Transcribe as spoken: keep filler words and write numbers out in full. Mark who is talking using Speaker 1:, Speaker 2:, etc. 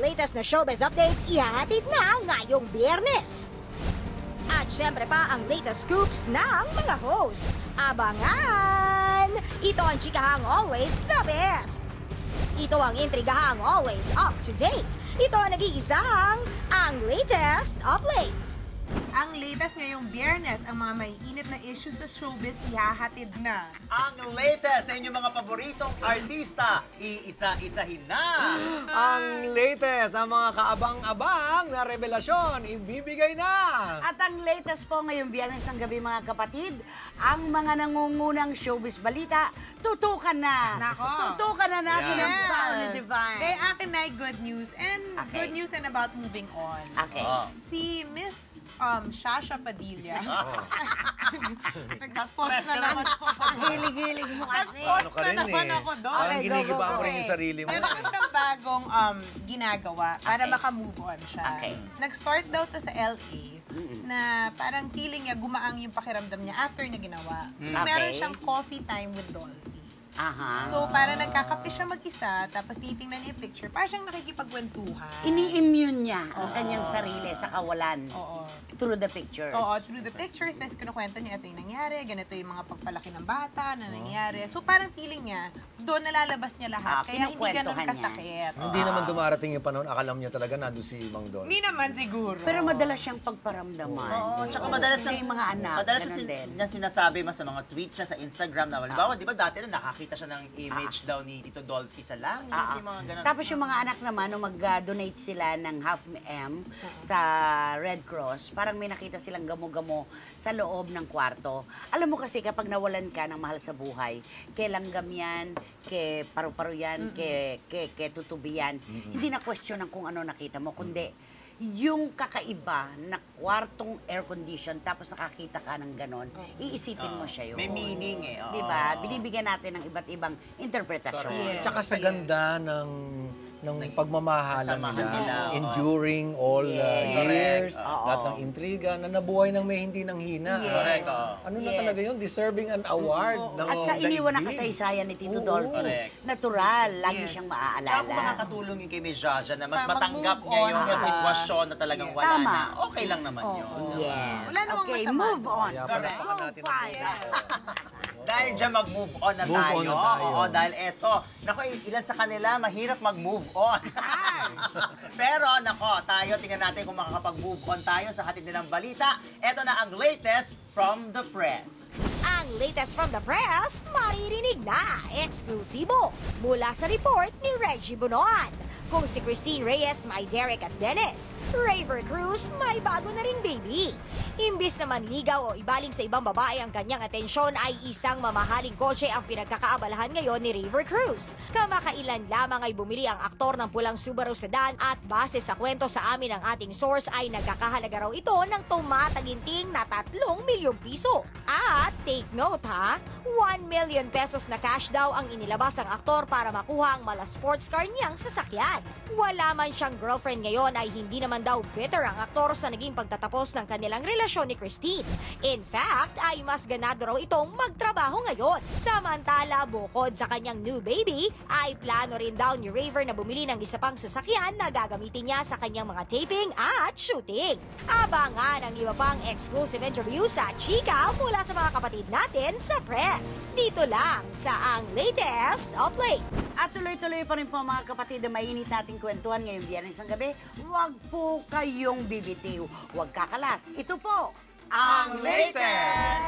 Speaker 1: latest na showbiz updates ihahatid na ngayong Biyernes. At syempre pa ang latest scoops ng mga host. Abangan! Ito ang chikahang always the best. Ito ang intrigahang always up to date. Ito ang nag-iisang ang latest update.
Speaker 2: Ang latest ngayong Biyernes, ang mga maiinit na issues sa showbiz ihahatid na.
Speaker 3: Ang latest sa inyong mga paboritong artista, iisa-isahin na.
Speaker 4: Ang latest, ang mga kaabang-abang na revelasyon, ibibigay na.
Speaker 5: At ang latest po ngayong Biyernes ang gabi mga kapatid, ang mga nangungunang showbiz balita, tutukan na.
Speaker 2: Nako.
Speaker 5: Tutukan na natin
Speaker 4: Yeah.
Speaker 5: ang Paolo Divine.
Speaker 2: Kaya akin na good news and
Speaker 5: Okay.
Speaker 2: good news and about moving on.
Speaker 5: Okay.
Speaker 3: Oh.
Speaker 2: Si Miss um, Shasha Padilla. Nag-post na naman ako.
Speaker 5: Hilig-hilig mo kasi.
Speaker 4: Ano ka
Speaker 2: na
Speaker 4: rin
Speaker 2: naman
Speaker 4: eh.
Speaker 2: ako doon.
Speaker 4: Parang
Speaker 5: Okay, go,
Speaker 4: ginigiba
Speaker 5: go,
Speaker 4: mo
Speaker 5: go.
Speaker 4: rin yung sarili mo.
Speaker 2: Meron
Speaker 4: eh.
Speaker 2: siyang bagong um, ginagawa para
Speaker 5: Okay.
Speaker 2: maka-move on siya.
Speaker 5: Okay.
Speaker 2: Nag-start daw to sa L A na parang feeling niya gumaang yung pakiramdam niya after niya ginawa. So,
Speaker 5: Okay.
Speaker 2: meron siyang coffee time with Dolphy.
Speaker 5: Aha.
Speaker 2: So, para nagkakape siya mag-isa, tapos titingnan niya yung picture, parang siyang nakikipagkwentuhan.
Speaker 5: Ini-immune niya ang kanyang sarili sa kawalan
Speaker 2: Oo.
Speaker 5: through the pictures.
Speaker 2: Oo, through the pictures, tapos kinukwento niya ito yung nangyari, ganito yung mga pagpalaki ng bata na nangyari. So, parang feeling niya, doon nalalabas niya lahat,
Speaker 5: Ah,
Speaker 2: kaya hindi ganun
Speaker 5: kinukwentuhan niya.
Speaker 2: kasakit.
Speaker 4: Hindi naman dumarating yung panahon, akala niya talaga nandun si Mang Don.
Speaker 2: Hindi naman siguro.
Speaker 5: Pero madalas siyang pagparamdaman.
Speaker 3: Oo, tsaka madalas
Speaker 5: Kasi
Speaker 3: ang-
Speaker 5: yung mga anak,
Speaker 3: madalas
Speaker 5: ganun
Speaker 3: sin-
Speaker 5: din.
Speaker 3: niya sinasabi mas sa mga tweets niya sa Instagram na halimbawa, di ba dati na nakakita siya ng image daw ni Tito Dolphy sa langit,
Speaker 5: Ah,
Speaker 3: yung mga ganun.
Speaker 5: Tapos yung mga anak naman, nung mag-donate sila ng half M sa Red Cross, parang may nakita silang gamo-gamo sa loob ng kwarto. Alam mo kasi kapag nawalan ka ng mahal sa buhay, kay langgam yan, kay paru-paro yan, kay, kay, kay tutubi yan, hindi na question ng kung ano nakita mo, kundi yung kakaiba na kwartong air condition tapos nakakita ka ng ganon, iisipin mo siya yun.
Speaker 3: May meaning eh. oo.
Speaker 5: Di ba? Binibigyan natin ng iba't ibang interpretasyon.
Speaker 2: Yes.
Speaker 4: Tsaka sa ganda ng ng pagmamahalan
Speaker 3: Kasamahan
Speaker 4: nila,
Speaker 3: nila, oo.
Speaker 4: enduring all uh,
Speaker 5: Yes.
Speaker 4: years,
Speaker 5: Oo.
Speaker 4: lahat ng intriga, na nabuhay ng may hindi nang hina.
Speaker 5: Yes.
Speaker 3: Correct, oo.
Speaker 4: Ano na
Speaker 5: Yes.
Speaker 4: talaga yun? Deserving an award. ng
Speaker 5: At sa iniwan na
Speaker 4: daigdig.
Speaker 5: kasaysayan ni Tito
Speaker 4: Oo.
Speaker 5: Dolphy,
Speaker 3: Correct.
Speaker 5: natural, lagi
Speaker 2: Yes.
Speaker 5: siyang
Speaker 3: Tsaka kung
Speaker 5: maaalala.
Speaker 3: makakatulong yung kay Miss Jaja na mas
Speaker 2: Para
Speaker 3: matanggap
Speaker 2: mag-move
Speaker 3: niya
Speaker 2: on,
Speaker 3: yung
Speaker 2: diba?
Speaker 3: sitwasyon na talagang
Speaker 2: Yes.
Speaker 3: wala
Speaker 5: Tama.
Speaker 3: na, okay lang naman yun.
Speaker 5: Yes.
Speaker 2: Wala namang
Speaker 5: Okay,
Speaker 2: masama
Speaker 5: move
Speaker 2: doon.
Speaker 5: on.
Speaker 4: Kaya
Speaker 3: Correct.
Speaker 4: palakpakan natin ang
Speaker 5: Five.
Speaker 3: Dahil dyan mag-move on na
Speaker 4: Move
Speaker 3: tayo.
Speaker 4: on na tayo.
Speaker 3: Oo, dahil eto, nako, ilan sa kanila mahirap mag-move on. Pero nako, tayo, tingnan natin kung makakapag-move on tayo sa hatid nilang balita. Eto na ang latest from the press.
Speaker 1: Ang latest from the press, maririnig na eksklusibo mula sa report ni Reggie Bunoan. Kung si Christine Reyes may Derek at Dennis, Raver Cruz may bago na ring baby. Imbis na manligaw o ibaling sa ibang babae ang kanyang atensyon ay isang mamahaling kotse ang pinagkakaabalahan ngayon ni Raver Cruz. Kamakailan lamang ay bumili ang aktor ng pulang Subaru sedan at base sa kwento sa amin ng ating source ay nagkakahalaga raw ito ng tumataginting na tatlong milyong piso. At take note ha, one million pesos na cash daw ang inilabas ng aktor para makuha ang mala sports car niyang sasakyan. Wala man siyang girlfriend ngayon ay hindi naman daw bitter ang aktor sa naging pagtatapos ng kanilang relasyon ni Christine. In fact, ay mas ganado raw itong magtrabaho ngayon. Samantala, bukod sa kanyang new baby, ay plano rin daw ni Raver na bumili ng isa pang sasakyan na gagamitin niya sa kanyang mga taping at shooting. Abangan ang iba pang exclusive interview sa Chika mula sa mga kapatid natin sa press. Dito lang sa ang latest update.
Speaker 5: At tuloy-tuloy pa rin po mga kapatid na mainit nating kwentuhan ngayong Biyernes ng gabi. Huwag po kayong bibitiw. Huwag kakalas. Ito po
Speaker 3: Ang latest!